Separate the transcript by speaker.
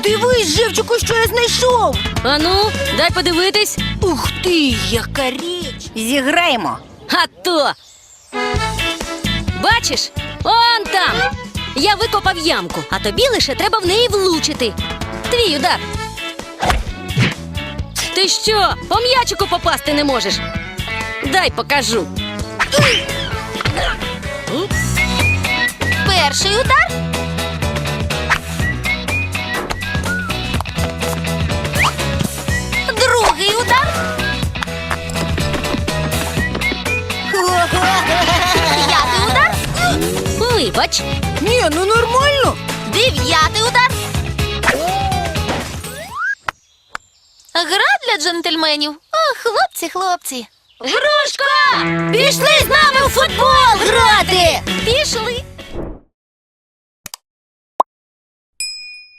Speaker 1: Дивись, Живчику, що я знайшов.
Speaker 2: Ану, дай подивитись.
Speaker 1: Ух ти, яка річ. Зіграємо.
Speaker 2: А то! Бачиш? Он там! Я викопав ямку, а тобі лише треба в неї влучити. Твій удар. Ти що, по м'ячику попасти не можеш? Дай покажу.
Speaker 3: Перший удар. Другий удар. П'ятий удар.
Speaker 2: Вибач.
Speaker 1: Ні, ну нормально.
Speaker 3: Дев'ятий удар. Гра для джентльменів. О, хлопці, хлопці.
Speaker 2: Грушка! Пішли з нами у футбол
Speaker 1: Грати!
Speaker 3: Пішли.